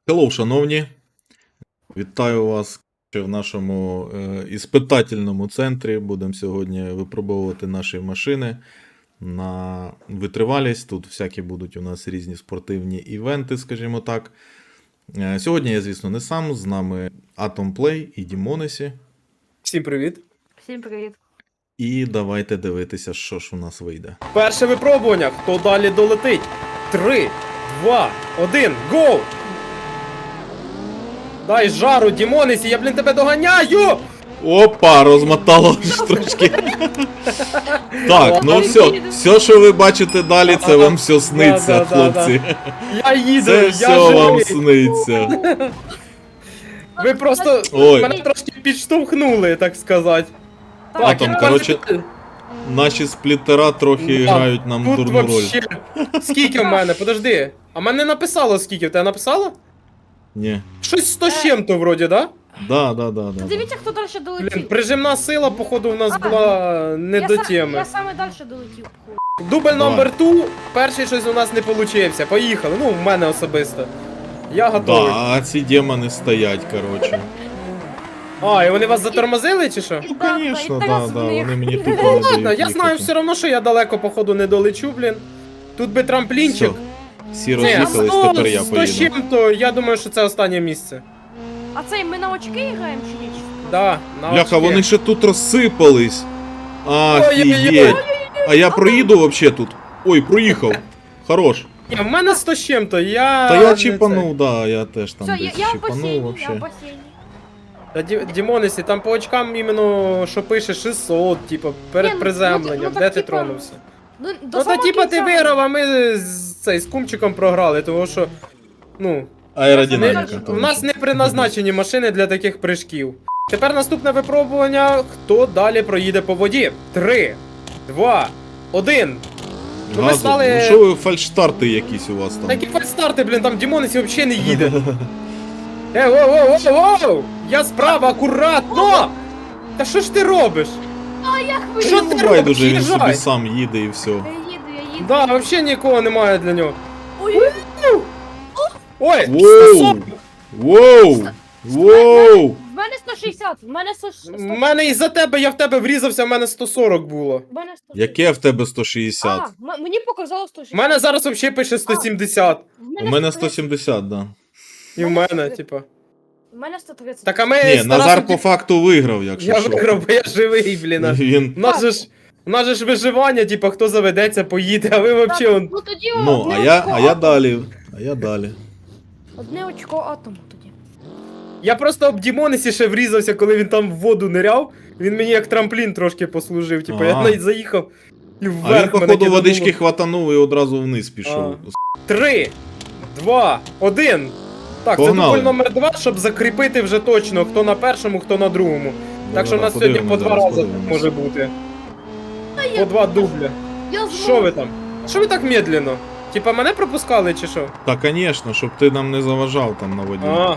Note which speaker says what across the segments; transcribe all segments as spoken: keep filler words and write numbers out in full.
Speaker 1: Hello, шановні! Вітаю вас в нашому е, іспитательному центрі. Будемо сьогодні випробовувати наші машини на витривалість. Тут всякі будуть у нас різні спортивні івенти, скажімо так. Е, сьогодні я, звісно, не сам. З нами Atom Play і Дімонесі.
Speaker 2: Всім привіт.
Speaker 3: Всім привіт.
Speaker 1: І давайте дивитися, що ж у нас вийде.
Speaker 2: Перше випробування. Хто далі долетить? Три, два, один, гоу! Дай жару, Дімонесі, я, блін, тебе доганяю!
Speaker 1: Опа, розмотало трошки. Так, ну все, все, що ви бачите далі, це вам все сниться,
Speaker 2: Да, да, да,
Speaker 1: хлопці.
Speaker 2: Я їду,
Speaker 1: Це
Speaker 2: я
Speaker 1: все вам
Speaker 2: живий.
Speaker 1: сниться.
Speaker 2: Ви просто
Speaker 1: Ой.
Speaker 2: мене трошки підштовхнули, так сказати.
Speaker 1: Атом,
Speaker 2: я
Speaker 1: коротше,
Speaker 2: бачу,
Speaker 1: Наші сплітера трохи
Speaker 2: Да,
Speaker 1: грають нам
Speaker 2: тут
Speaker 1: дурну роль.
Speaker 2: вообще... Скільки в мене? Подожди. А мене не написало скільки, в тебе написало?
Speaker 1: Ні.
Speaker 2: Щось сто з чим-то вроді, да?
Speaker 1: Да, да, да, да.
Speaker 3: Та
Speaker 1: да.
Speaker 3: дивіться, хто далі
Speaker 2: Блін,
Speaker 3: долетів.
Speaker 2: прижимна сила, походу, у нас
Speaker 3: А,
Speaker 2: була не
Speaker 3: я
Speaker 2: до
Speaker 3: са-
Speaker 2: теми.
Speaker 3: Я саме далі долетів. хуй.
Speaker 2: Дубль
Speaker 1: Давай.
Speaker 2: номер два, перший щось у нас не получився. Поїхали, ну, в мене особисто. Я готовий.
Speaker 1: Да, а ці демони стоять, коротше.
Speaker 2: А, і вони вас затормозили чи що?
Speaker 1: Ну,
Speaker 3: Да,
Speaker 1: звісно,
Speaker 3: да, і
Speaker 1: да,
Speaker 3: Тарас
Speaker 1: да,
Speaker 3: в них.
Speaker 1: вони мені тупо
Speaker 2: Ну
Speaker 1: не
Speaker 2: ладно,
Speaker 1: дають
Speaker 2: я знаю
Speaker 1: їхати.
Speaker 2: все одно, що я далеко, походу, не долечу, блін. Тут би трамплінчик.
Speaker 1: Все, всі
Speaker 2: Ні,
Speaker 1: роз'їхались,
Speaker 2: сто,
Speaker 1: тепер я
Speaker 2: сто з
Speaker 1: поїду.
Speaker 2: чим-то, я думаю, що це останнє місце.
Speaker 3: А цей ми на очки граємо чи ні? Чи просто?
Speaker 2: Да, на
Speaker 1: Бляха,
Speaker 2: очки.
Speaker 1: вони ще тут розсипались.
Speaker 2: Ой-ой-ой.
Speaker 1: Офігеть. А я проїду вообще тут. Ой, проїхав. Хорош.
Speaker 2: Ні, в мене сто з чим-то, я...
Speaker 1: Та я
Speaker 2: не
Speaker 1: чіпанув, да, я теж там
Speaker 3: Все, я,
Speaker 1: десь
Speaker 3: я в
Speaker 1: чіпанув
Speaker 3: басейні, я в
Speaker 1: вообще.
Speaker 3: басейні.
Speaker 2: Та Ді- Дімонесі, там по очкам іменно, що пише шістсот, типу, перед
Speaker 3: Ні, ну,
Speaker 2: приземленням,
Speaker 3: ну, так,
Speaker 2: де ти
Speaker 3: типа,
Speaker 2: тронувся?
Speaker 3: Ну, до
Speaker 2: Ну то
Speaker 3: самого
Speaker 2: типа ти
Speaker 3: кінця.
Speaker 2: виграв, а ми з, цей, з кумчиком програли, тому що, ну,
Speaker 1: Аеродинаміка.
Speaker 3: Не-
Speaker 2: у нас не предназначені машини для таких прыжків. Тепер наступне випробування, хто далі проїде по воді. Три, два, один. Ну ми
Speaker 1: Газу.
Speaker 2: стали...
Speaker 1: Ну що ви фальшстарти якісь у вас там?
Speaker 2: Такі фальстарти, блін, там Дімонесі взагалі не їде. Е, воу, воу, воу, воу! Я справа, акуратно! Та що ж ти робиш?
Speaker 3: А я хвилю.
Speaker 2: Що
Speaker 1: Ну,
Speaker 2: ти робиш?
Speaker 1: байдуже, він собі
Speaker 2: Їжджай!
Speaker 1: сам їде і все.
Speaker 3: Я їду, я їду.
Speaker 2: Да, взагалі нікого немає для нього.
Speaker 3: Ой,
Speaker 2: Ой,
Speaker 1: Воу!
Speaker 2: сто сорок.
Speaker 1: Воу! Воу!
Speaker 3: в мене сто шістдесят, в мене сто шістдесят.
Speaker 2: В мене із-за тебе, я в тебе врізався, в мене сто сорок було.
Speaker 3: В мене сто шістдесят.
Speaker 1: Яке в тебе сто шістдесят?
Speaker 3: А, м- мені показало сто
Speaker 2: У
Speaker 3: шістдесят.
Speaker 2: мене зараз взагалі пише сто сімдесят.
Speaker 1: У мене сто сімдесят, да.
Speaker 2: І в мене, типа.
Speaker 3: У мене сто тридцять.
Speaker 2: Так а ми
Speaker 1: Ні,
Speaker 2: з
Speaker 1: Назар
Speaker 2: Тарасом,
Speaker 1: по
Speaker 2: типу,
Speaker 1: факту виграв, якщо
Speaker 2: я
Speaker 1: що.
Speaker 2: виграв, бо я живий, блін.
Speaker 1: Він...
Speaker 2: У нас же ж, у нас же ж виживання, типа, хто заведеться, поїде, а ви взагалі он...
Speaker 3: Ну тоді
Speaker 1: Ну,
Speaker 3: одне
Speaker 1: а я,
Speaker 3: очко
Speaker 1: а я
Speaker 3: атому.
Speaker 1: далі. А я далі.
Speaker 3: Одне очко атому тоді.
Speaker 2: Я просто об Дімонесі ще врізався, коли він там в воду ниряв. Він мені як трамплін трошки послужив. Типа, я
Speaker 1: А.
Speaker 2: навіть заїхав і
Speaker 1: А
Speaker 2: вверх
Speaker 1: він,
Speaker 2: мене
Speaker 1: походу,
Speaker 2: кидануло.
Speaker 1: водички хватанув і одразу вниз пішов.
Speaker 2: Три, два, один. Так,
Speaker 1: Погнали.
Speaker 2: це дубль номер два, щоб закріпити вже точно, хто на першому, хто на другому. Так що в нас сьогодні по два рази може бути. По два дубля.
Speaker 3: Я
Speaker 2: Що ви там? Що ви так медленно? Типа мене пропускали чи що?
Speaker 1: Та, звісно, щоб ти нам не заважав там на воді.
Speaker 2: А.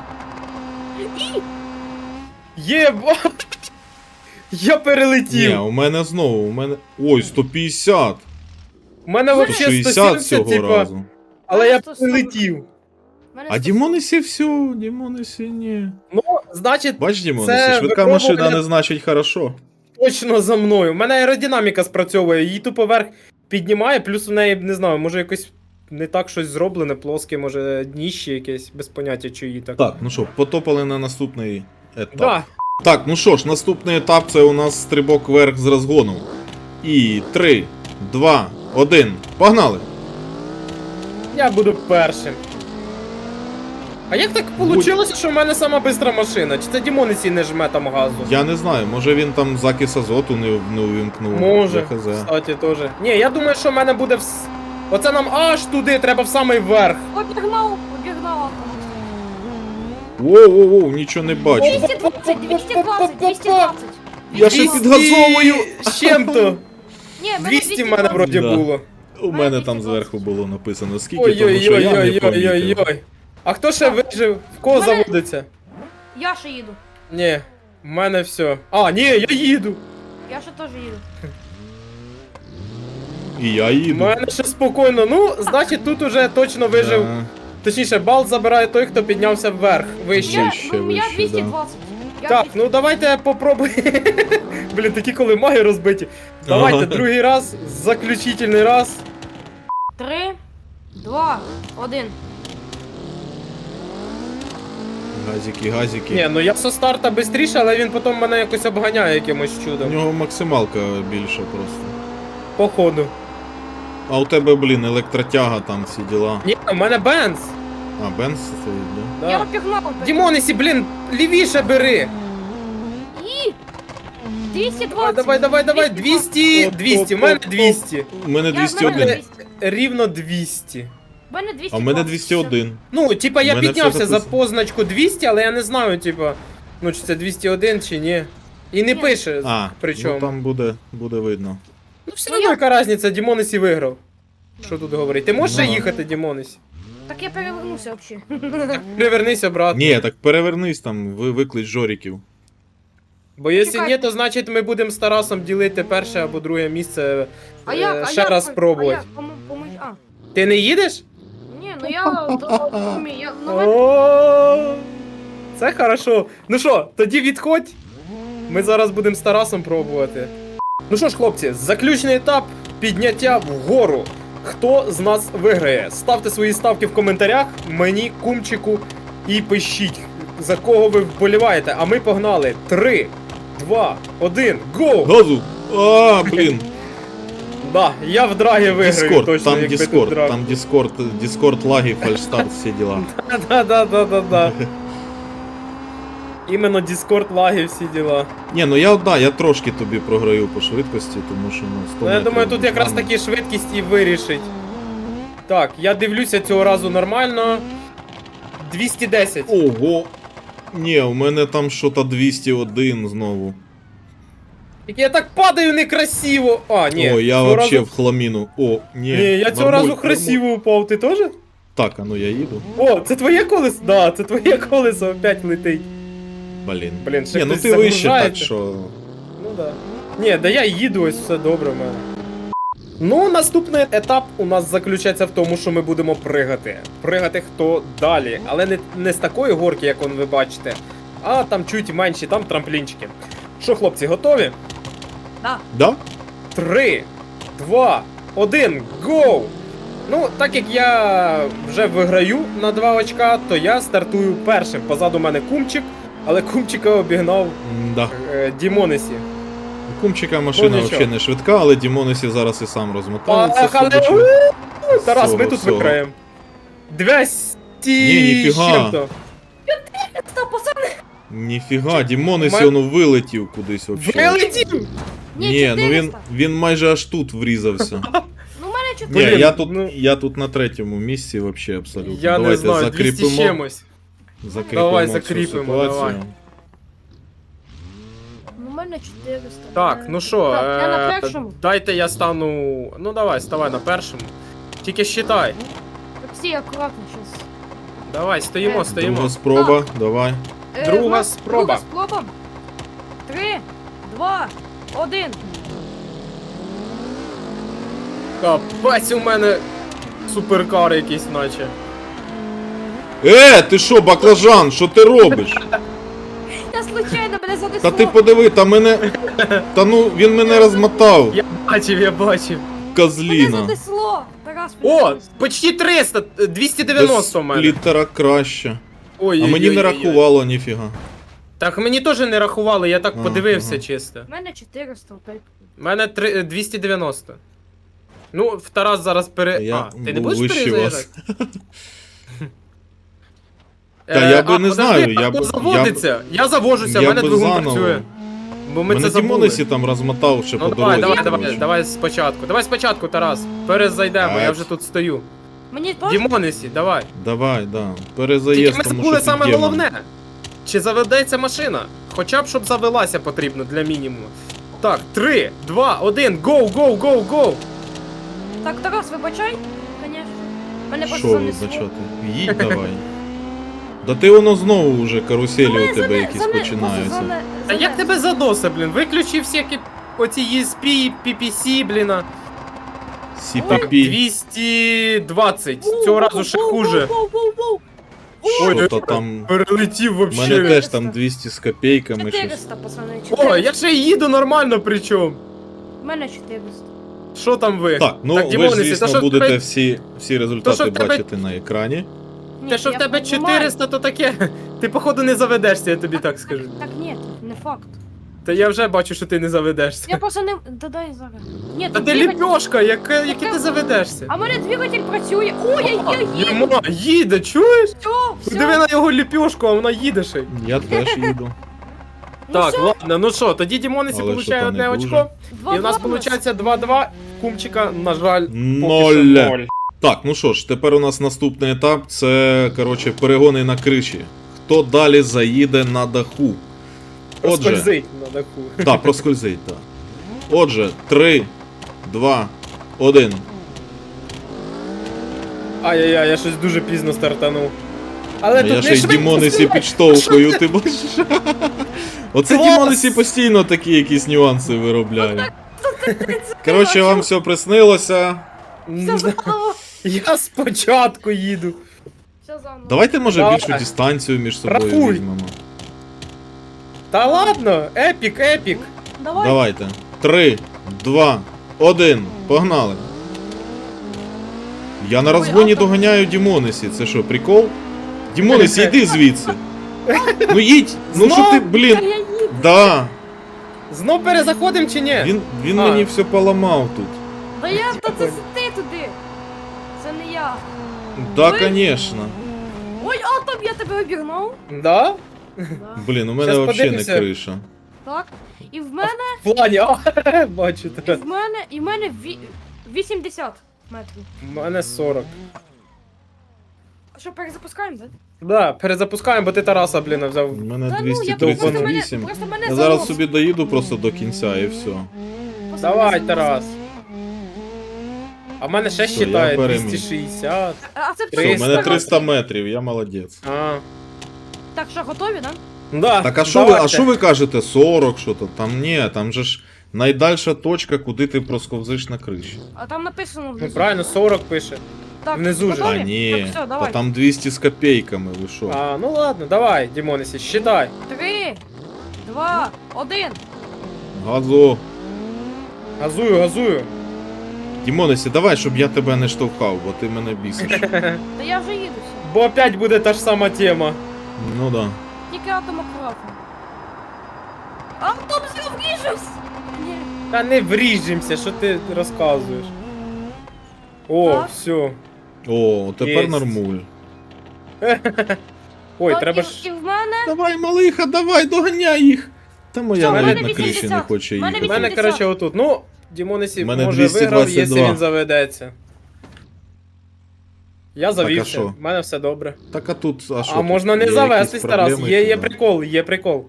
Speaker 2: Єба! Я
Speaker 1: Ні,
Speaker 2: перелетів.
Speaker 1: у мене знову, у мене. Ой, сто п'ятдесят!
Speaker 2: У мене
Speaker 3: сто
Speaker 2: взагалі
Speaker 1: сто шістдесят
Speaker 2: сто сімдесят,
Speaker 1: цього
Speaker 2: типа,
Speaker 1: разу.
Speaker 2: але я
Speaker 3: сто сорок.
Speaker 2: перелетів.
Speaker 1: А Дімонесі все, Дімонесі ні.
Speaker 2: Ну, значить,
Speaker 1: Бач, Дімонесі,
Speaker 2: Це
Speaker 1: швидка
Speaker 2: випробування-
Speaker 1: машина не значить хорошо.
Speaker 2: точно за мною. У мене аеродинаміка спрацьовує, її тупо вверх піднімає, плюс у неї, не знаю, може якось не так щось зроблене, плоске, може дніще якесь, без поняття, чи її так.
Speaker 1: Так, ну що, потопали на наступний етап.
Speaker 2: Да.
Speaker 1: Так, ну що ж, наступний етап це у нас стрибок вверх з розгону. І три, два, один. Погнали!
Speaker 2: Я буду першим. А як так вийшло, що в мене сама бистра машина? Чи це Дімонесі не жме там газу?
Speaker 1: Я не знаю, може він там закис азоту не, не увімкнув.
Speaker 2: Може,
Speaker 1: Я хз.
Speaker 2: кстати, теж. Ні, я думаю, що в мене буде вс... Оце нам аж туди, треба в самий верх.
Speaker 3: Обігнав, обігнав атому.
Speaker 1: Воу-воу-воу, нічого не бачу.
Speaker 3: двісті двадцять, двісті двадцять, двісті двадцять.
Speaker 1: Я ще
Speaker 2: двісті
Speaker 1: підгазовую.
Speaker 2: з чим-то.
Speaker 3: Ні, в мене
Speaker 2: двісті в мене
Speaker 3: двісті
Speaker 2: вроді
Speaker 1: Да.
Speaker 2: було.
Speaker 1: У мене там зверху було написано скільки, тому що я не помітив.
Speaker 2: Ой-ой-ой-ой-ой-ой. А хто ще вижив? В кого
Speaker 3: Мене-
Speaker 2: заводиться?
Speaker 3: Я ще їду.
Speaker 2: Ні, в мене все. А, ні, я їду.
Speaker 3: Я ще теж їду.
Speaker 1: І я
Speaker 2: У
Speaker 1: їду.
Speaker 2: мене ще спокійно. Ну, значить, тут уже точно вижив
Speaker 1: Да.
Speaker 2: Точніше, бал забирає той, хто піднявся вверх, вище.
Speaker 3: Я,
Speaker 1: Вище,
Speaker 3: ну, я
Speaker 1: вище,
Speaker 3: двісті двадцять. Я
Speaker 2: Так,
Speaker 3: двісті.
Speaker 2: ну давайте попробуємо. Блін, такі коли маги розбиті. Давайте,
Speaker 1: Ага.
Speaker 2: другий раз, заключительний раз.
Speaker 3: Три, два, один.
Speaker 1: Газики, газики.
Speaker 2: Ні, ну я со старта швидше, але він потім мене якось обганяє якимось
Speaker 1: У
Speaker 2: чудом.
Speaker 1: нього максималка більша просто.
Speaker 2: Походу.
Speaker 1: А у тебе, блін, електротяга там всі діла.
Speaker 2: Ні, у мене Бенз.
Speaker 1: А, Бенз стоїть, да?
Speaker 3: Я
Speaker 2: Да.
Speaker 3: обігнав.
Speaker 2: Дімонесі, блін, лівіше бери.
Speaker 3: І... двісті
Speaker 2: Давай,
Speaker 3: двадцять.
Speaker 2: давай, давай, давай, двісті, двісті, у мене двісті.
Speaker 1: У мене
Speaker 3: Я-
Speaker 1: двісті
Speaker 3: в мене
Speaker 1: один.
Speaker 3: двісті.
Speaker 2: Рівно двісті.
Speaker 3: В мене двісті
Speaker 1: А в мене
Speaker 3: двадцять.
Speaker 1: двісті один.
Speaker 2: Ну, типа, я
Speaker 1: У мене
Speaker 2: піднявся
Speaker 1: все
Speaker 2: за
Speaker 1: записано.
Speaker 2: позначку двісті, але я не знаю, типа, ну чи це двісті один чи ні. І не
Speaker 3: Ні.
Speaker 2: пише,
Speaker 1: А,
Speaker 2: причому.
Speaker 1: ну там буде, буде видно.
Speaker 2: Ну все
Speaker 3: Ну,
Speaker 2: одно
Speaker 3: я-
Speaker 2: яка різниця, Дімонесі виграв. Що тут говорити? Ти можеш ще
Speaker 1: Ну.
Speaker 2: їхати, Дімонесі?
Speaker 3: Так я перевернувся взагалі.
Speaker 2: Привернись обратно.
Speaker 1: Ні, так перевернись там, ви виклич жоріків.
Speaker 2: Бо якщо
Speaker 3: Чекай.
Speaker 2: ні, то значить ми будемо з Тарасом ділити перше або друге місце.
Speaker 3: А
Speaker 2: е,
Speaker 3: як? А
Speaker 2: ще
Speaker 3: як?
Speaker 2: раз
Speaker 3: А
Speaker 2: спробувати.
Speaker 3: як? Пом- пом- А.
Speaker 2: Ти не їдеш?
Speaker 3: Ні, ну я... то- я- ну, мене-
Speaker 2: О, це хорошо. Ну що, тоді відходь. Ми зараз будемо з Тарасом пробувати. Ну що ж, хлопці, заключний етап підняття вгору. Хто з нас виграє? Ставте свої ставки в коментарях, мені, кумчику, і пишіть, за кого ви вболіваєте. А ми погнали. Три, два, один, гоу!
Speaker 1: Газу! А, блін.
Speaker 2: Да, я в драгі виграю
Speaker 1: Діскорд,
Speaker 2: точно,
Speaker 1: там
Speaker 2: якби тут
Speaker 1: Діскорд,
Speaker 2: драк.
Speaker 1: там Діскорд, Діскорд лаги, фальшстарт, всі діла.
Speaker 2: Да-да-да-да-да. Іменно Discord лаги всі діла.
Speaker 1: Ні, ну я, да, я трошки тобі програю по швидкості, тому що, ну, сто
Speaker 2: Ну, я
Speaker 1: метрів
Speaker 2: думаю, тут
Speaker 1: без
Speaker 2: якраз
Speaker 1: мене.
Speaker 2: таки швидкість і вирішить. Так, я дивлюся цього разу нормально. двісті десять.
Speaker 1: Ого! Ні, у мене там що-то двісті один знову.
Speaker 2: Як я так падаю некрасиво. А, ні.
Speaker 1: О, я
Speaker 2: цього
Speaker 1: вообще
Speaker 2: разу...
Speaker 1: в хламіну. О, ні.
Speaker 2: Ні, я цього
Speaker 1: нормуль,
Speaker 2: разу
Speaker 1: нормуль.
Speaker 2: красиво упав, ти теж?
Speaker 1: Так, а ну я їду.
Speaker 2: О, це твоє колесо? Да, це твоє колесо опять летить.
Speaker 1: Блін.
Speaker 2: Блін, ще
Speaker 1: Ні, ну
Speaker 2: хтось
Speaker 1: ти вище, так
Speaker 2: загружається.
Speaker 1: що.
Speaker 2: Ну да. Ні, да я їду, ось все добре в мене. Ну, наступний етап у нас заключається в тому, що ми будемо пригати. Пригати хто далі, але не, не з такої горки, як он ви бачите, а там чуть менші, там трамплінчики. Що, хлопці, готові?
Speaker 3: Да.
Speaker 1: Да?
Speaker 2: Три, два, один, гоу! Ну, так як я вже виграю на два очка, то я стартую першим. Позаду мене кумчик, але кумчика обігнав
Speaker 1: Да.
Speaker 2: е, Дімонесі.
Speaker 1: У Кумчика машина
Speaker 2: Ну, нічого.
Speaker 1: взагалі не швидка, але Дімонесі зараз і сам розмотається.
Speaker 2: Поїхали!
Speaker 1: судячи.
Speaker 2: У, Тарас, ми
Speaker 1: Всього,
Speaker 2: тут
Speaker 1: всього.
Speaker 2: виграємо. двісті
Speaker 1: Ні, ніфіга.
Speaker 2: з чим-то.
Speaker 3: Стоп, пацани!
Speaker 1: Ніфіга, Дімонесі
Speaker 2: Ме-
Speaker 1: воно вилетів кудись взагалі.
Speaker 2: Вилетів!
Speaker 1: Ні, ну він,
Speaker 3: чотириста.
Speaker 1: він майже аж тут врізався.
Speaker 3: Ну, в мене
Speaker 1: Ні,
Speaker 3: чотириста.
Speaker 2: Блін,
Speaker 1: я тут,
Speaker 2: ну-
Speaker 1: я тут на третьому місці вообще абсолютно.
Speaker 2: Я не
Speaker 1: Давайте
Speaker 2: знаю, двісті з
Speaker 1: закріпимо,
Speaker 2: чимось.
Speaker 1: закріпимо
Speaker 2: Давай,
Speaker 1: цю
Speaker 2: закріпимо,
Speaker 1: ситуацію.
Speaker 2: давай.
Speaker 3: Ну, в мене чотириста.
Speaker 2: Так, ну що,
Speaker 3: Так, я на
Speaker 2: е,
Speaker 3: першому.
Speaker 2: дайте я стану. Ну давай, ставай на першому. Тільки считай.
Speaker 3: Всі акуратно щас.
Speaker 2: Давай, стоїмо,
Speaker 3: Е,
Speaker 2: стоїмо.
Speaker 1: Друга спроба, давай.
Speaker 3: Е,
Speaker 2: Друга
Speaker 3: в нас-
Speaker 2: спроба.
Speaker 3: Друга спроба. Три, два, один.
Speaker 2: Капець у мене суперкар якийсь, наче.
Speaker 1: Е, ти що, баклажан, що ти робиш?
Speaker 3: Я случайно мене занесло.
Speaker 1: Та ти подиви, та мене. Та ну він мене розмотав,
Speaker 2: Я бачив, я бачив.
Speaker 3: Мене
Speaker 1: козліна.
Speaker 3: занесло. Тарас, мене
Speaker 2: О,
Speaker 3: занесло.
Speaker 2: почти триста, двісті дев'яносто в
Speaker 1: Без
Speaker 2: мене.
Speaker 1: сплітера краще.
Speaker 2: Ой,
Speaker 1: А мені не рахувало ніфіга.
Speaker 2: Так мені теж не рахували, я так
Speaker 1: А,
Speaker 2: подивився
Speaker 1: ага.
Speaker 2: чисто.
Speaker 3: В мене чотириста опять.
Speaker 2: У мене три- е, двісті дев'яносто. Ну, в Тарас зараз пере.
Speaker 1: Я
Speaker 2: а, ти не
Speaker 1: був
Speaker 2: будеш
Speaker 1: вище
Speaker 2: перезаїжджати?
Speaker 1: Та я би
Speaker 2: а,
Speaker 1: не
Speaker 2: подожди,
Speaker 1: знаю,
Speaker 2: а
Speaker 1: я
Speaker 2: хто
Speaker 1: б-
Speaker 2: заводиться. Я завожуся, в
Speaker 1: Я
Speaker 2: мене
Speaker 1: би
Speaker 2: двигун
Speaker 1: заново.
Speaker 2: працює. Бо ми
Speaker 1: Мене
Speaker 2: це забули.
Speaker 1: Дімонесі там розмотав ще
Speaker 2: Ну
Speaker 1: по
Speaker 2: давай,
Speaker 1: дорозі.
Speaker 2: давай, давай,
Speaker 1: коротше.
Speaker 2: давай спочатку. Давай спочатку, Тарас. Перезайдемо, я
Speaker 1: Так.
Speaker 2: вже тут стою.
Speaker 3: Мені теж?
Speaker 2: Дімонесі, давай.
Speaker 1: Давай, да.
Speaker 2: Тільки
Speaker 1: Перезаїзд,
Speaker 2: ми
Speaker 1: тому
Speaker 2: забули
Speaker 1: що
Speaker 2: саме
Speaker 1: під'ємно.
Speaker 2: головне. Чи заведеться машина? Хоча б щоб завелася потрібно для мінімуму. Так, три, два, один, гоу, гоу, гоу, гоу.
Speaker 3: Так, Тарас, вибачай, конечно. Мене просто
Speaker 1: Що
Speaker 3: занесло.
Speaker 1: вибачати? Їдь давай. Да ти воно знову вже каруселі у тебе
Speaker 3: Зане-
Speaker 1: якісь
Speaker 3: зане-
Speaker 1: починаються.
Speaker 3: зане-
Speaker 2: А як
Speaker 3: занесло.
Speaker 2: тебе задосе, блін? Виключи всякі оці і ес пі, пі пі сі, блін. а.
Speaker 1: Сі Пі Пі.
Speaker 2: двісті двадцять. Цього разу ще хуже.
Speaker 3: Воу-воу-воу-воу.
Speaker 1: Що то там.
Speaker 2: Перелетів
Speaker 1: У
Speaker 2: вообще.
Speaker 1: мене теж там двісті з копійками щось.
Speaker 3: чотириста, пацани,
Speaker 2: О,
Speaker 3: чотириста.
Speaker 2: я ще й їду нормально причому.
Speaker 3: У мене чотириста.
Speaker 2: Що там ви?
Speaker 1: Так, ну
Speaker 2: Так,
Speaker 1: ви ж,
Speaker 2: Дімонесі, та
Speaker 1: звісно,
Speaker 2: що в
Speaker 1: будете
Speaker 2: тебе-
Speaker 1: всі, всі
Speaker 2: То
Speaker 1: результати
Speaker 2: що в тебе-
Speaker 1: бачити на екрані.
Speaker 3: Ні,
Speaker 2: Те, що в
Speaker 3: я
Speaker 2: тебе
Speaker 3: понімаю.
Speaker 2: чотириста, то таке. Ти, походу, не заведешся, я тобі так скажу.
Speaker 3: Так ні, не факт.
Speaker 2: Та я вже бачу, що ти не заведешся.
Speaker 3: Я просто не... Да дай зараз. Ні,
Speaker 2: Та
Speaker 3: тут
Speaker 2: ти
Speaker 3: двигатель-
Speaker 2: ліпьошка, яке, яке ти заведешся?
Speaker 3: А в мене двигатель працює. Ой, я, я їду.
Speaker 2: Нема, їде, чуєш?
Speaker 3: Все,
Speaker 2: Диви
Speaker 3: все.
Speaker 2: на його ліпьошку, а вона їде ще. й.
Speaker 1: Я теж їду.
Speaker 3: Ну
Speaker 2: Так,
Speaker 3: все,
Speaker 2: ладно, ну що, тоді Дімонесі
Speaker 1: Але
Speaker 2: получає
Speaker 1: що-то
Speaker 2: одне
Speaker 1: не дуже.
Speaker 2: очко.
Speaker 3: два
Speaker 2: І в нас
Speaker 3: бонус.
Speaker 2: виходить два-два. Кумчика, на жаль, поки
Speaker 1: Ноль.
Speaker 2: що ноль.
Speaker 1: Так, ну що ж, тепер у нас наступний етап це, коротше, перегони на криші. Хто далі заїде на даху? Отже,
Speaker 2: Проскользить на даху.
Speaker 1: так, проскользить, так. Отже, три, два, один.
Speaker 2: Ай-яй-яй, я щось дуже пізно стартанув. Але
Speaker 1: Я
Speaker 2: тут
Speaker 1: ще
Speaker 2: не
Speaker 1: й
Speaker 2: швидко
Speaker 1: Дімонесі
Speaker 2: стріляй.
Speaker 1: підштовхую, ти бачиш? Оце
Speaker 2: Клас!
Speaker 1: Дімонесі постійно такі якісь нюанси виробляє. Коротше, вам все приснилося.
Speaker 3: Все заново.
Speaker 2: Я спочатку їду.
Speaker 3: Все заново.
Speaker 1: Давайте, може,
Speaker 2: Давай.
Speaker 1: більшу дистанцію між собою
Speaker 2: Рахуй.
Speaker 1: візьмемо.
Speaker 2: Та ладно, епік, епік.
Speaker 3: Давай.
Speaker 1: Давайте. Три, два, один. Погнали. Я на розгоні
Speaker 3: Ой, а там-
Speaker 1: доганяю Дімонесі. Це що, прикол? Дімонесі, йди звідси. Ну їдь! Ну що ти,
Speaker 3: Та
Speaker 1: блін?
Speaker 3: я їду.
Speaker 1: Да.
Speaker 2: Знов перезаходим чи ні?
Speaker 1: Він, він
Speaker 2: А.
Speaker 1: мені все поламав тут.
Speaker 3: Да я, та це ти туди. Це не я.
Speaker 1: Да,
Speaker 3: Ви-
Speaker 1: звісно.
Speaker 3: Ой, а там я тебе обігнав.
Speaker 2: Да?
Speaker 3: Да.
Speaker 1: Блін, у мене
Speaker 2: Щас
Speaker 1: взагалі не
Speaker 2: подивимося.
Speaker 1: криша.
Speaker 3: Так. І в мене,
Speaker 2: В плані, а,
Speaker 3: і
Speaker 2: бачите.
Speaker 3: в мене, і в мене ві- вісімдесят метрів.
Speaker 2: У мене сорок.
Speaker 3: А що, перезапускаємо, так?
Speaker 2: Да, перезапускаємо, бо ти Тараса, блін, взяв.
Speaker 1: У мене
Speaker 3: Та ну, я
Speaker 2: тридцять
Speaker 3: просто мене,
Speaker 1: двісті тридцять вісім.
Speaker 3: просто мене
Speaker 1: Я зараз
Speaker 3: заносить.
Speaker 1: собі доїду просто до кінця і все.
Speaker 3: Просто
Speaker 2: Давай,
Speaker 3: мене
Speaker 2: Тарас.
Speaker 3: заносить.
Speaker 2: А в мене ще
Speaker 1: Все, я
Speaker 2: считає
Speaker 1: переміг.
Speaker 2: двісті шістдесят.
Speaker 3: А а це
Speaker 1: Все,
Speaker 2: Триста.
Speaker 1: у мене триста метрів, я молодець.
Speaker 2: А.
Speaker 3: Так, що, готові, да?
Speaker 2: Да,
Speaker 1: Так, а що ви,
Speaker 2: давайте.
Speaker 1: а що ви кажете? сорок, що то? Там ні, там же ж найдальша точка, куди ти просковзиш на криші.
Speaker 3: А там написано
Speaker 2: Ну
Speaker 3: внизу.
Speaker 2: правильно, сорок пише.
Speaker 3: Так,
Speaker 2: внизу ж.
Speaker 3: готові?
Speaker 1: А ні,
Speaker 3: Так, все,
Speaker 1: та
Speaker 3: давай.
Speaker 1: там двісті з копійками, ви що?
Speaker 2: А, ну ладно, давай, Дімонесі, считай.
Speaker 3: Три, два, один.
Speaker 1: Газу.
Speaker 2: Газую, газую.
Speaker 1: Дімонесі, давай, щоб я тебе не штовхав, бо ти мене бісиш.
Speaker 3: Та я вже їду сюди.
Speaker 2: Бо опять буде та ж сама тема.
Speaker 1: Ну да.
Speaker 3: Тільки атом акуратно. Автом вріжусь! Ні.
Speaker 2: Та не вріжемося, що ти розказуєш. О,
Speaker 3: Так.
Speaker 2: все.
Speaker 1: О, тепер
Speaker 2: Єсть.
Speaker 1: нормуль.
Speaker 2: Ой,
Speaker 3: Так,
Speaker 2: треба
Speaker 3: і,
Speaker 2: ж.
Speaker 3: і в мене...
Speaker 1: Давай, малиха, давай, доганяй їх. Та моя
Speaker 3: Що, в
Speaker 1: навіть
Speaker 2: мене
Speaker 1: на криші не
Speaker 3: вісімдесят.
Speaker 1: хоче
Speaker 3: В мене
Speaker 1: їхати.
Speaker 2: У мене,
Speaker 3: вісімдесят.
Speaker 2: коротше, отут. Ну, Дімонесі
Speaker 1: У мене
Speaker 2: може
Speaker 1: двісті
Speaker 2: виграв,
Speaker 1: двадцять два.
Speaker 2: якщо він заведеться. Я
Speaker 1: а
Speaker 2: завівся,
Speaker 1: що?
Speaker 2: в мене все добре.
Speaker 1: Так а тут, а що?
Speaker 2: А
Speaker 1: тут?
Speaker 2: можна не
Speaker 1: Є
Speaker 2: завестись,
Speaker 1: якісь
Speaker 2: Тарас.
Speaker 1: проблеми
Speaker 2: Є, є
Speaker 1: хіба?
Speaker 2: прикол, є прикол.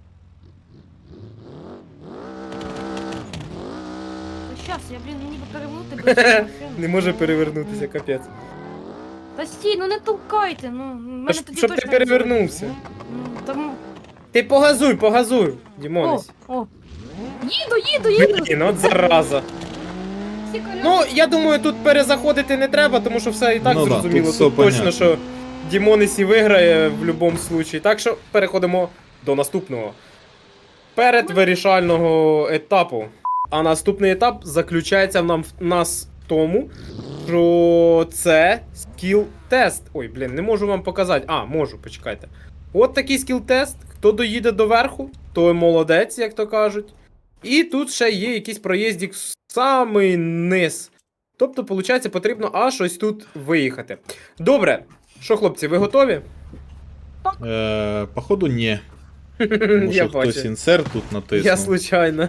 Speaker 3: Та щас, я, блін, ніби перевернути без машини.
Speaker 2: Не може перевернутися, капець.
Speaker 3: Та стій, ну не толкайте, ну. в Мене
Speaker 2: Та ж-
Speaker 3: тоді
Speaker 2: щоб ти
Speaker 3: точно
Speaker 2: перевернувся.
Speaker 3: не Ну, там...
Speaker 2: Ти погазуй, погазуй,
Speaker 3: О,
Speaker 2: Дімонесі.
Speaker 3: о. Їду, їду, їду.
Speaker 2: Блін, от зараза.
Speaker 3: Всі коляски.
Speaker 2: Ну, я думаю, тут перезаходити не треба, тому що все і так
Speaker 1: Ну да,
Speaker 2: зрозуміло.
Speaker 1: тут
Speaker 2: Тут,
Speaker 1: все
Speaker 2: точно,
Speaker 1: понятно.
Speaker 2: що Дімонесі виграє в будь-якому випадку. Так що переходимо до наступного. Перед вирішального етапу. А наступний етап заключається в нам в нас в тому, що це скіл-тест. Ой, блін, не можу вам показати. А, можу, почекайте. От такий скіл-тест. Хто доїде до верху, той молодець, як то кажуть. І тут ще є якийсь проїздик в самий низ. Тобто, виходить, потрібно аж ось тут виїхати. Добре. Що, хлопці, ви готові?
Speaker 1: Е, походу, ні. Тому
Speaker 2: Я
Speaker 1: що хтось
Speaker 2: бачу.
Speaker 1: інсерт тут натиснув.
Speaker 2: Я случайно.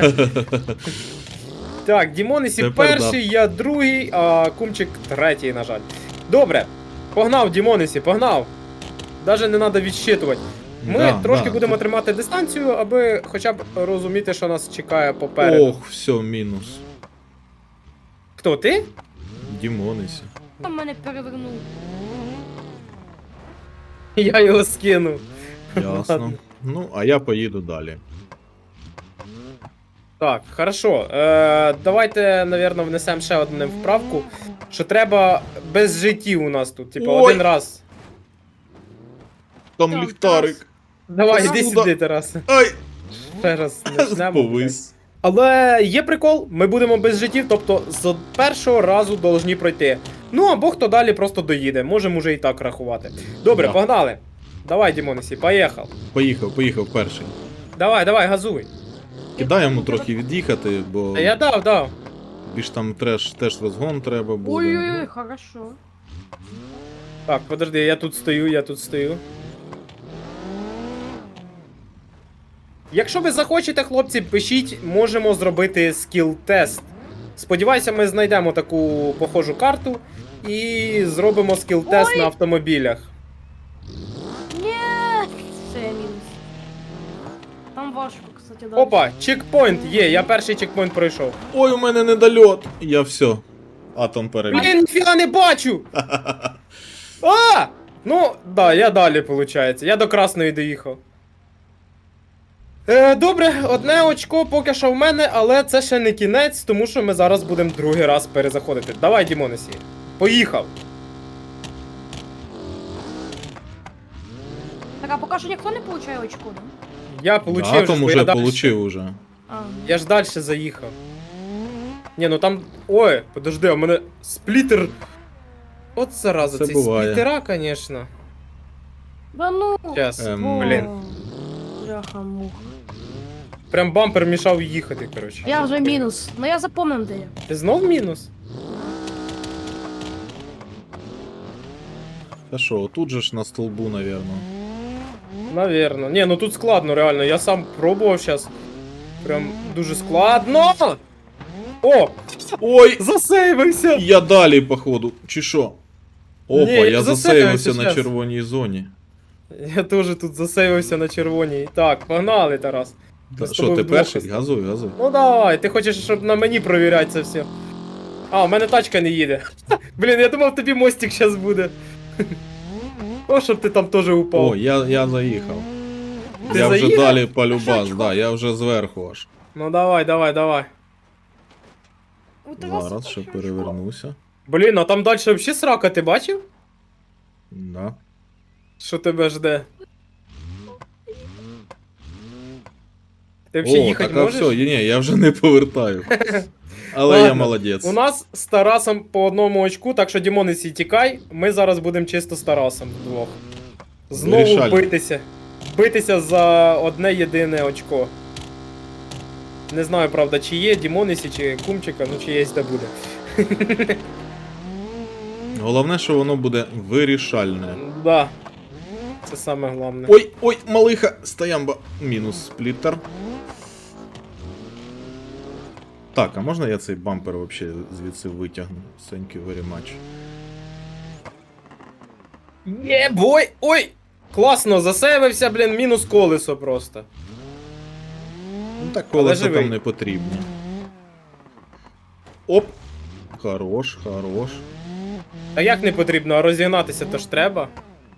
Speaker 2: Так, Дімонесі
Speaker 1: Тепер
Speaker 2: перший, я другий, а Кумчик третій, на жаль. Добре. Погнав, Дімонесі, погнав. Даже не треба відщитувати. Ми
Speaker 1: Да,
Speaker 2: трошки
Speaker 1: да.
Speaker 2: будемо тримати дистанцію, аби хоча б розуміти, що нас чекає попереду.
Speaker 1: Ох, все, мінус.
Speaker 2: Хто, ти?
Speaker 1: Дімонесі.
Speaker 3: Там мене перевернув.
Speaker 2: Я його скинув.
Speaker 1: Ясно.
Speaker 2: Ладно.
Speaker 1: Ну, а я поїду далі.
Speaker 2: Так, хорошо. Е, давайте, напевно, внесемо ще одну вправку, що треба без життів у нас тут. Типу,
Speaker 1: Ой!
Speaker 2: один раз.
Speaker 1: Там
Speaker 3: Так,
Speaker 1: ліхтарик.
Speaker 2: Давай,
Speaker 3: Тарас.
Speaker 2: іди сюди, Тарас.
Speaker 1: Ай!
Speaker 2: Ще раз почнемо.
Speaker 1: Повис.
Speaker 2: Але є прикол, ми будемо без життів, тобто з першого разу должні пройти. Ну або хто далі просто доїде, можемо вже і так рахувати. Добре,
Speaker 1: Да.
Speaker 2: погнали. Давай, Дімонесі, поїхав.
Speaker 1: Поїхав, поїхав перший.
Speaker 2: Давай, давай, газуй.
Speaker 1: Кидай йому трохи від'їхати, бо
Speaker 2: Та я дав, дав.
Speaker 1: більш там треш, теж розгон треба буде.
Speaker 3: Ой-ой-ой, хорошо.
Speaker 2: Так, подожди, я тут стою, я тут стою. Якщо ви захочете, хлопці, пишіть, можемо зробити скіл-тест. Сподіваюся, ми знайдемо таку похожу карту і зробимо скіл-тест
Speaker 3: Ой!
Speaker 2: на автомобілях.
Speaker 3: Ні, це мінус. Там важко, кстати, далі.
Speaker 2: Опа, чекпоінт є, я перший чекпоінт пройшов.
Speaker 1: Ой, у мене недольот. Я все. Атом перебіг.
Speaker 2: Блін, ніфіга не бачу! А! Ну, да, я далі, виходить. Я до красної доїхав. Е, добре, одне очко поки що в мене, але це ще не кінець, тому що ми зараз будемо другий раз перезаходити. Давай, Дімонесі. Поїхав.
Speaker 3: Так, а поки що ніхто не получає очко, да?
Speaker 2: Я получив,
Speaker 1: Атом
Speaker 2: бо
Speaker 1: уже
Speaker 2: я дальше-
Speaker 1: получив уже.
Speaker 3: А,
Speaker 2: Я ж далі заїхав. Ні, ну там. Ой, подожди, у мене сплітер. От зараза,
Speaker 1: Це
Speaker 2: цей
Speaker 1: буває.
Speaker 2: сплітера, звісно.
Speaker 3: да ну.
Speaker 2: Щас,
Speaker 1: Ем,
Speaker 2: блін.
Speaker 3: Бляха-муха.
Speaker 2: Прям бампер мішав їхати, коротше.
Speaker 3: Я вже мінус. Ну я запомнив, де я.
Speaker 2: Ти знов мінус?
Speaker 1: Та що, тут же ж на столбу, навірно.
Speaker 2: Навірно. Ні, ну тут складно, реально. Я сам пробував зараз. Прям дуже складно. О!
Speaker 1: Ой!
Speaker 2: Засейвився!
Speaker 1: Я далі, походу. Чи що? Опа,
Speaker 2: Ні, я
Speaker 1: я
Speaker 2: засейвився
Speaker 1: засейвився на
Speaker 2: щас.
Speaker 1: червоній зоні.
Speaker 2: Я теж тут засейвився на червоній. Так, погнали, Тарас. Ми
Speaker 1: Та
Speaker 2: з
Speaker 1: що,
Speaker 2: тобою
Speaker 1: ти
Speaker 2: вдвох
Speaker 1: перший?
Speaker 2: ось-
Speaker 1: Газуй, газуй.
Speaker 2: Ну давай, ти хочеш, щоб на мені провіряти це все. А, у мене тачка не їде. Блін, я думав, тобі мостик зараз буде. О, щоб ти там теж упав.
Speaker 1: О, я, я заїхав.
Speaker 2: Ти
Speaker 1: я вже
Speaker 2: заїхав?
Speaker 1: далі полюбас, да, я вже зверху аж.
Speaker 2: Ну давай, давай, давай.
Speaker 3: У Тараса
Speaker 1: Зараз ще
Speaker 3: ще
Speaker 1: перевернуся.
Speaker 2: Блін, а там далі взагалі срака, ти бачив?
Speaker 1: Да.
Speaker 2: Що тебе жде? Ти взагалі
Speaker 1: О,
Speaker 2: їхати
Speaker 1: так а
Speaker 2: можеш?
Speaker 1: все, ні, я вже не повертаю. Але я
Speaker 2: Ладно,
Speaker 1: молодець.
Speaker 2: У нас з Тарасом по одному очку, так що Дімонесі тікай, ми зараз будемо чисто з Тарасом вдвох. Знову
Speaker 1: Вирішально.
Speaker 2: битися. Битися за одне єдине очко. Не знаю, правда, чи є Дімонесі, чи Кумчика, ну чи є де буде.
Speaker 1: Головне, що воно буде вирішальне.
Speaker 2: Да. Це саме головне.
Speaker 1: Ой, ой, малиха, стоямба. Мінус спліттер. Так, а можна я цей бампер вообще звідси витягну? Thank you very much.
Speaker 2: Є, бой! Ой! Класно, засейвився, блін, мінус колесо просто.
Speaker 1: Ну так
Speaker 2: Але
Speaker 1: колеса
Speaker 2: живий.
Speaker 1: там не потрібні. Оп! Хорош, хорош.
Speaker 2: А як не потрібно, а розігнатися то ж треба.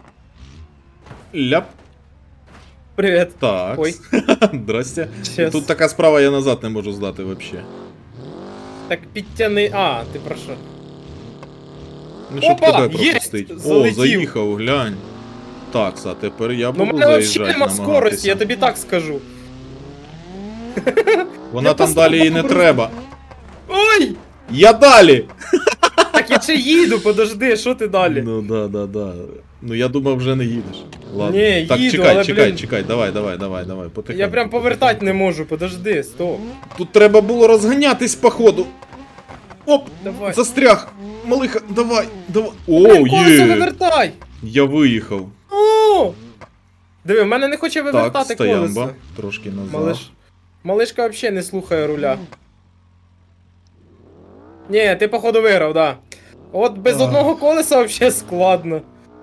Speaker 1: Ляп.
Speaker 2: Привіт.
Speaker 1: Так.
Speaker 2: Ой.
Speaker 1: Здрасте.
Speaker 2: Щас.
Speaker 1: Тут така справа, я назад не можу здати вообще.
Speaker 2: Так підтяни. А, ти про що?
Speaker 1: Ну, щоб
Speaker 2: Опа,
Speaker 1: тебе
Speaker 2: є!
Speaker 1: пропустити. О,
Speaker 2: Залетів.
Speaker 1: заїхав, глянь. Так, а тепер я
Speaker 2: Ну,
Speaker 1: буду
Speaker 2: в мене взагалі
Speaker 1: заїжджати,
Speaker 2: нема скорості,
Speaker 1: намагатися.
Speaker 2: я тобі так скажу.
Speaker 1: Вона
Speaker 2: Я
Speaker 1: там
Speaker 2: просто
Speaker 1: далі і не
Speaker 2: просто-
Speaker 1: треба.
Speaker 2: Ой!
Speaker 1: Я далі!
Speaker 2: Так я ще їду, подожди, що ти далі?
Speaker 1: Ну да, да, да. Ну я думав, вже не їдеш. Ладно.
Speaker 2: Ні,
Speaker 1: так,
Speaker 2: їду,
Speaker 1: чекай,
Speaker 2: але,
Speaker 1: чекай,
Speaker 2: блін.
Speaker 1: чекай, давай, давай, давай, давай, потихеньку.
Speaker 2: Я прям повертати не можу, подожди, стоп.
Speaker 1: Тут треба було розганятись, походу. Оп!
Speaker 2: Давай.
Speaker 1: Застряг! Малиха, давай, давай.
Speaker 2: Блін,
Speaker 1: О,
Speaker 2: колесо
Speaker 1: є!
Speaker 2: вивертай!
Speaker 1: Я виїхав.
Speaker 2: О! Диви, в мене не хоче
Speaker 1: Так,
Speaker 2: вивертати
Speaker 1: стоямба.
Speaker 2: колесо.
Speaker 1: Трошки назад.
Speaker 2: Малиш... Малишка взагалі не слухає руля. Ні, ти походу виграв, да. От без
Speaker 1: Ах.
Speaker 2: одного колеса взагалі складно.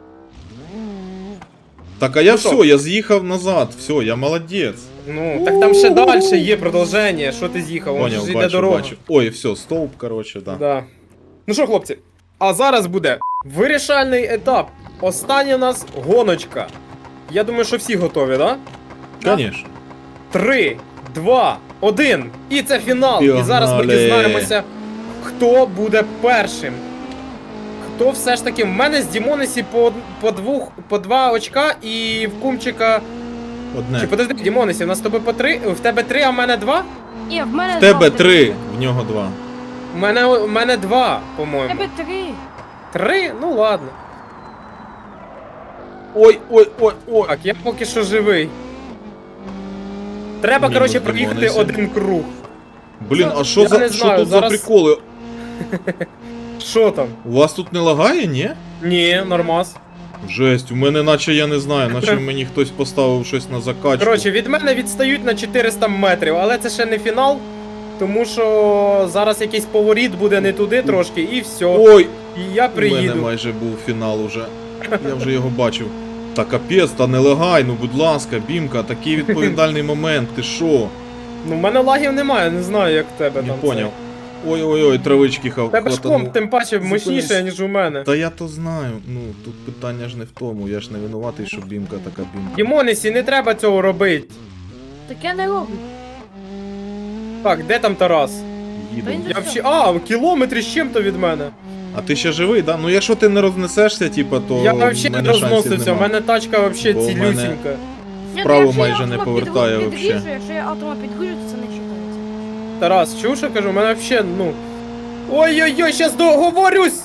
Speaker 1: Так, а я
Speaker 2: Ну що?
Speaker 1: все, я з'їхав назад. Все, я молодець.
Speaker 2: Ну, так там ще далі є продовження. Що ти з'їхав? Вон
Speaker 1: Поняв,
Speaker 2: ж йде
Speaker 1: бачу,
Speaker 2: дорога.
Speaker 1: бачу. Ой, все, стовп, короче, да.
Speaker 2: Да. Ну що, хлопці, а зараз буде вирішальний етап. Остання у нас гоночка. Я думаю, що всі готові, да?
Speaker 1: Конечно.
Speaker 2: Три, два, один. І це фінал. І зараз ми
Speaker 1: Пігнали.
Speaker 2: дізнаємося, хто буде першим. Хто все ж таки. В мене з Дімонесі по, по, двох, по два очка і в Кумчика.
Speaker 1: Одне.
Speaker 2: Чи подожди, Дімонесі, у нас з тобою по три. В тебе три, а в мене два?
Speaker 3: Ні, в мене
Speaker 1: В тебе
Speaker 3: два,
Speaker 1: три, в нього два.
Speaker 2: У мене, у мене два,
Speaker 3: В
Speaker 2: по-моєму.
Speaker 3: тебе три.
Speaker 2: Три? Ну ладно.
Speaker 1: Ой, ой, ой, ой.
Speaker 2: Так, я поки що живий. Треба,
Speaker 1: Мінус
Speaker 2: коротше, проїхати
Speaker 1: Дімонесі.
Speaker 2: один круг.
Speaker 1: Блін, а що
Speaker 2: Я
Speaker 1: за
Speaker 2: не
Speaker 1: що
Speaker 2: знаю,
Speaker 1: тут
Speaker 2: зараз-
Speaker 1: за приколи?
Speaker 2: Що там?
Speaker 1: У вас тут не лагає, ні?
Speaker 2: Ні, нормас.
Speaker 1: Жесть, у мене наче я не знаю, наче мені хтось поставив щось на закачку.
Speaker 2: Коротше, від мене відстають на чотириста метрів, але це ще не фінал. Тому що зараз якийсь поворіт буде не туди трошки, і все.
Speaker 1: Ой,
Speaker 2: І я
Speaker 1: у мене
Speaker 2: приїду.
Speaker 1: майже був фінал уже. Я вже його бачив. Та капець, та не лагай, ну будь ласка, Бімка, такий відповідальний момент, ти що?
Speaker 2: Ну, в мене лагів немає, не знаю, як в тебе
Speaker 1: Не
Speaker 2: там.
Speaker 1: поняв. Ой-ой-ой, травички хав.
Speaker 2: У тебе ж
Speaker 1: хватанув.
Speaker 2: комп тим паче
Speaker 1: Зупинись.
Speaker 2: мощніше, ніж у мене.
Speaker 1: Та я то знаю, ну тут питання ж не в тому, я ж не винуватий, що Бімка така Бімка.
Speaker 2: Дімонесі, не треба цього робити.
Speaker 3: Так я не роблю.
Speaker 2: Так, де там Тарас?
Speaker 1: Їду.
Speaker 3: Та й не-
Speaker 2: Я взагалі. А, в кілометрі з чим-то від мене.
Speaker 1: А ти ще живий, да? Ну якщо ти не рознесешся, типа, то
Speaker 2: Я
Speaker 1: в
Speaker 2: взагалі не
Speaker 1: мене шансів
Speaker 2: розносився, у
Speaker 1: нема.
Speaker 2: мене тачка взагалі
Speaker 1: Бо в мене-
Speaker 2: цілюсінька.
Speaker 3: Ні,
Speaker 1: Вправо
Speaker 3: ну, якщо я
Speaker 1: майже не
Speaker 3: атома
Speaker 1: повертає
Speaker 3: підгру-
Speaker 1: вообще.
Speaker 3: підгружу, Якщо я атома підгружу, то це не читається.
Speaker 2: Тарас, чув, що кажу, у мене взагалі, ну. Ой-ой-ой, щас договорюсь!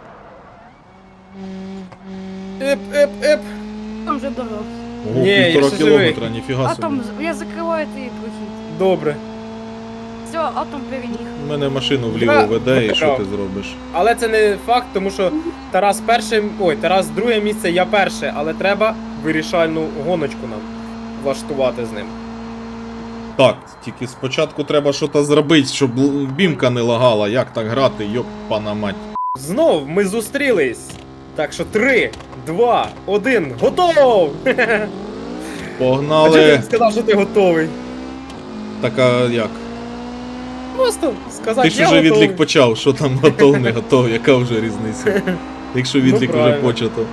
Speaker 2: Еп, еп, еп.
Speaker 3: Там вже дорога.
Speaker 1: Ого,
Speaker 2: Ні, я
Speaker 1: півтора
Speaker 2: ще живий.
Speaker 1: кілометра, ніфіга собі.
Speaker 3: Атом, з- я закриваю твій прохід.
Speaker 2: Добре.
Speaker 3: Все, атом переміг.
Speaker 1: У мене машину вліво
Speaker 2: Я
Speaker 1: веде, і що
Speaker 2: виграв.
Speaker 1: ти зробиш?
Speaker 2: Але це не факт, тому що Тарас перше, ой, Тарас друге місце, я перше, але треба вирішальну гоночку нам влаштувати з ним.
Speaker 1: Так, тільки спочатку треба щось зробити, щоб л- Бімка не лагала. Як так грати, йопана мать.
Speaker 2: Знов ми зустрілись. Так що три, два, один, готов! А чого ти
Speaker 1: Погнали.
Speaker 2: сказав, що ти готовий?
Speaker 1: Така як?
Speaker 2: Просто сказати,
Speaker 1: Ти ж
Speaker 2: я
Speaker 1: уже
Speaker 2: готовий.
Speaker 1: відлік почав, що там готов, не готов, яка вже різниця? Якщо відлік вже
Speaker 2: Ну, правильно.
Speaker 1: почато.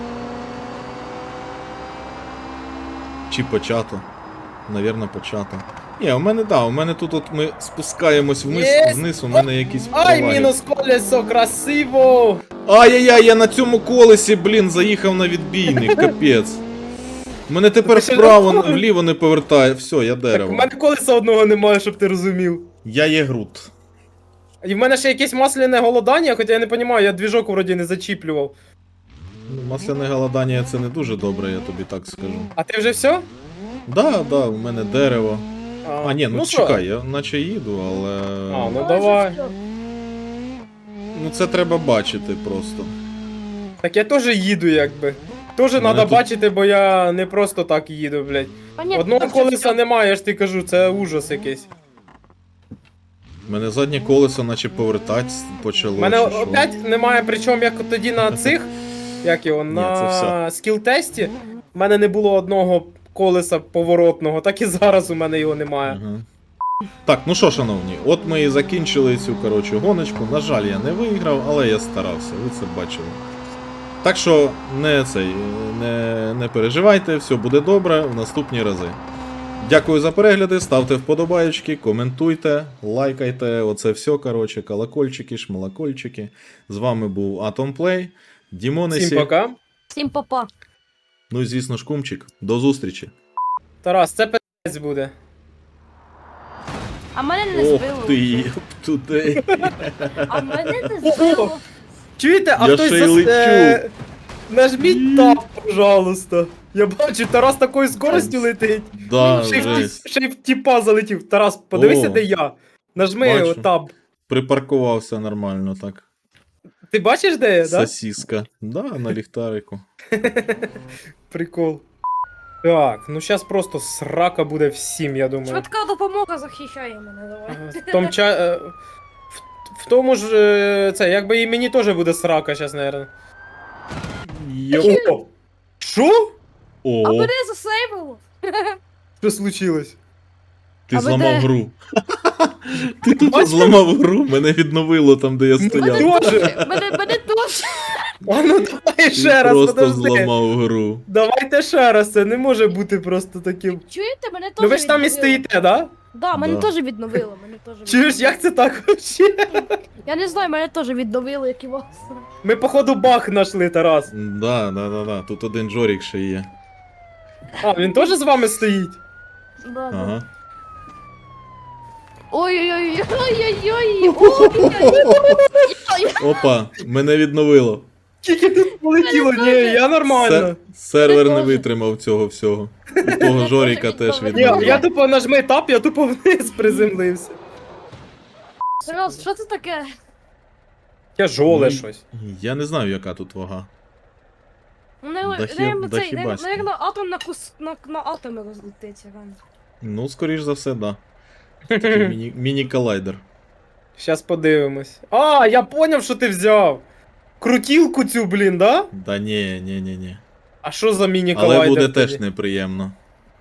Speaker 1: Чи почато? Навірно, почато. Ні, у мене да, у мене тут от ми спускаємось вниз,
Speaker 2: Єсть!
Speaker 1: вниз, у мене якісь
Speaker 2: Ай,
Speaker 1: проваги.
Speaker 2: мінус колесо, красиво!
Speaker 1: Ай-яй-яй, я на цьому колесі, блін, заїхав на відбійник, капець. Мене тепер
Speaker 2: Ти ще
Speaker 1: вправо,
Speaker 2: готовий?
Speaker 1: вліво не повертає, все, я
Speaker 2: Так, у
Speaker 1: дерево.
Speaker 2: мене колеса одного немає, щоб ти розумів.
Speaker 1: Я є Грут.
Speaker 2: І в мене ще якесь масляне голодання, хоча я не розумію, я двіжок вроді не зачіплював.
Speaker 1: Ну, масляне голодання це не дуже добре, я тобі так скажу.
Speaker 2: А ти вже все?
Speaker 1: Да, да, у мене дерево. А, ні, ну,
Speaker 2: що?
Speaker 1: чекай, я наче їду, але.
Speaker 2: А, ну
Speaker 3: Але
Speaker 2: давай.
Speaker 3: вже все.
Speaker 1: Ну це треба бачити просто.
Speaker 2: Так я теж їду, якби. Теж
Speaker 1: Мене
Speaker 2: треба
Speaker 1: тут-
Speaker 2: бачити, бо я не просто так їду, блядь.
Speaker 3: Понятно,
Speaker 2: Одного
Speaker 3: так вже
Speaker 2: колеса
Speaker 3: все.
Speaker 2: немає, я ж ти кажу, це ужас якийсь.
Speaker 1: У мене заднє колесо наче повертати почало.
Speaker 2: У мене
Speaker 1: чи що.
Speaker 2: опять немає, причому як тоді на цих, як його,
Speaker 1: Ні, це
Speaker 2: на
Speaker 1: все.
Speaker 2: скіл-тесті, в мене не було одного колеса поворотного, так і зараз у мене його немає.
Speaker 1: Ага. Так, ну що, шановні, от ми і закінчили цю коротше гоночку. На жаль, я не виграв, але я старався, ви це бачили. Так що не цей, не, не переживайте, все буде добре в наступні рази. Дякую за перегляди, ставте вподобаєчки, коментуйте, лайкайте, оце все, коротше, колокольчики, шмалакольчики. З вами був Atomplay, Дімонесі,
Speaker 2: Всім пока.
Speaker 3: Всім папа.
Speaker 1: ну і звісно ж Кумчик. До зустрічі.
Speaker 2: Тарас, це пи***ць буде.
Speaker 3: А мене не
Speaker 1: Ох
Speaker 3: збило.
Speaker 1: ти, туди.
Speaker 3: А мене не збило.
Speaker 2: Чуєте, а
Speaker 1: Я
Speaker 2: хтось
Speaker 1: ще й
Speaker 2: зас...
Speaker 1: лечу.
Speaker 2: е, Нажміть тап, пожалуйста. Я бачу, Тарас такою скоростю летить.
Speaker 1: Да,
Speaker 2: Ще й, в ті-
Speaker 1: жесть.
Speaker 2: ще й в тіпа залетів. Тарас, подивися,
Speaker 1: О.
Speaker 2: де я. Нажми
Speaker 1: Бачу.
Speaker 2: таб.
Speaker 1: Припаркувався нормально так.
Speaker 2: Ти бачиш, де я, да?
Speaker 1: Сосиска. Да, на ліхтарику.
Speaker 2: Прикол. Так, ну зараз просто срака буде всім, я думаю.
Speaker 3: Швидка допомога захищає мене, давай.
Speaker 2: Е, В, том ча... е, в, в тому ж е, це, якби і мені теж буде срака зараз, наверное.
Speaker 1: Йо.
Speaker 2: О! Що?
Speaker 3: А
Speaker 1: О,
Speaker 3: мене засейвило.
Speaker 2: Що случилось?
Speaker 1: ти
Speaker 3: А ви
Speaker 1: зламав
Speaker 3: де?
Speaker 1: гру. Ти тут
Speaker 2: Бачите?
Speaker 1: зламав гру, мене відновило там, де я стояв.
Speaker 2: Мене- Тоже.
Speaker 3: Мене, мене теж.
Speaker 2: А ну давай
Speaker 1: Він
Speaker 2: ще раз,
Speaker 1: просто
Speaker 2: подожди.
Speaker 1: зламав гру.
Speaker 2: Давайте ще раз, це не може бути просто таким.
Speaker 3: Чуєте, мене теж
Speaker 2: Ну ви ж там і
Speaker 3: відновило.
Speaker 2: стоїте, да?
Speaker 3: Да, мене
Speaker 1: Да.
Speaker 3: теж відновило, мене теж
Speaker 2: Чуєш,
Speaker 3: відновило.
Speaker 2: як це так вообще?
Speaker 3: Я не знаю, мене теж відновило, як і вас.
Speaker 2: Ми походу баг знайшли, Тарас.
Speaker 1: Да, да, да, да. Тут один Джорік ще є.
Speaker 2: А, він теж з вами стоїть?
Speaker 3: Да, да.
Speaker 1: Ага.
Speaker 3: Ой-ой-ой, ой-ой-ой, ой-ой-ой.
Speaker 1: Опа, мене відновило.
Speaker 2: Скільки тут полетіло? Ні, я нормально.
Speaker 1: Се- сервер не
Speaker 3: Мене теж.
Speaker 1: витримав цього всього. У того Жоріка теж
Speaker 3: Ні,
Speaker 2: Ні,
Speaker 1: відновило.
Speaker 2: я тупо нажми тап, я тупо вниз приземлився.
Speaker 3: Серйоз, що це таке?
Speaker 2: Тяжоле
Speaker 1: Ну,
Speaker 2: щось.
Speaker 1: Я не знаю, яка тут вага.
Speaker 3: Мене,
Speaker 1: Да хі-
Speaker 3: наверно,
Speaker 1: да
Speaker 3: цей,
Speaker 1: хібаськи.
Speaker 3: наверно, атом на, кус, на, на атоми розлетиться, реально.
Speaker 1: Ну, скоріш за все, да. Такий міні- міні-колайдер.
Speaker 2: Щас подивимось. А, я поняв, що ти взяв. Крутілку цю, блін, да?
Speaker 1: Да ні, ні, ні, ні.
Speaker 2: А що за міні
Speaker 1: Але
Speaker 2: колайдер
Speaker 1: буде
Speaker 2: тоді?
Speaker 1: теж неприємно.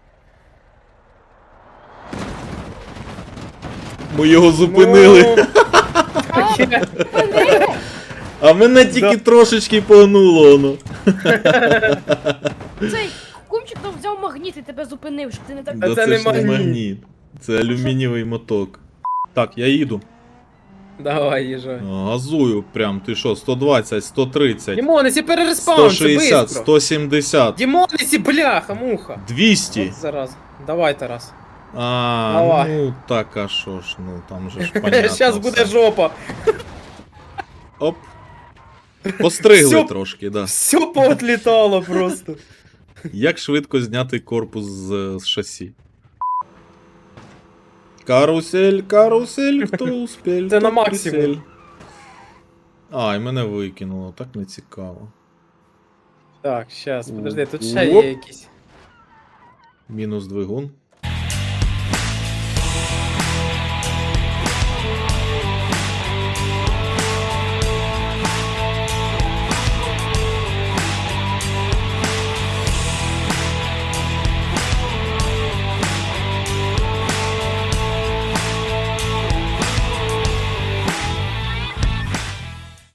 Speaker 1: Ми його зупинили.
Speaker 2: Ну, таке.
Speaker 1: А мене тільки
Speaker 2: Да.
Speaker 1: трошечки погнуло воно.
Speaker 3: Цей кумчик там взяв магніт і тебе зупинив, щоб ти не так...
Speaker 2: А
Speaker 1: Да
Speaker 2: це
Speaker 1: це
Speaker 2: не
Speaker 1: ж не
Speaker 2: магніт.
Speaker 1: магніт. Це алюмінієвий моток. Так, я їду.
Speaker 2: Давай, їжджай.
Speaker 1: Газую прям, ти що, сто двадцять, сто тридцять,
Speaker 2: Дімонесі,
Speaker 1: сто
Speaker 2: перереспаунси,
Speaker 1: шістдесят,
Speaker 2: бистро.
Speaker 1: сто сімдесят,
Speaker 2: Дімонесі, бляха, муха.
Speaker 1: двісті.
Speaker 2: От зараз. Давай, Тарас.
Speaker 1: А,
Speaker 2: Давай.
Speaker 1: ну так, а що ж, ну там же ж понятно.
Speaker 2: Щас буде
Speaker 1: все.
Speaker 2: жопа.
Speaker 1: Оп. Постригли
Speaker 2: Всьо.
Speaker 1: трошки, да.
Speaker 2: Все поотлітало просто.
Speaker 1: Як швидко зняти корпус з, з шасі? Карусель, карусель, хто успіль?
Speaker 2: Це на
Speaker 1: тот
Speaker 2: максимум.
Speaker 1: прицель. А, і мене викинуло, так не цікаво.
Speaker 2: Так, щас, подожди, тут ще
Speaker 1: Оп.
Speaker 2: є якісь.
Speaker 1: Мінус двигун.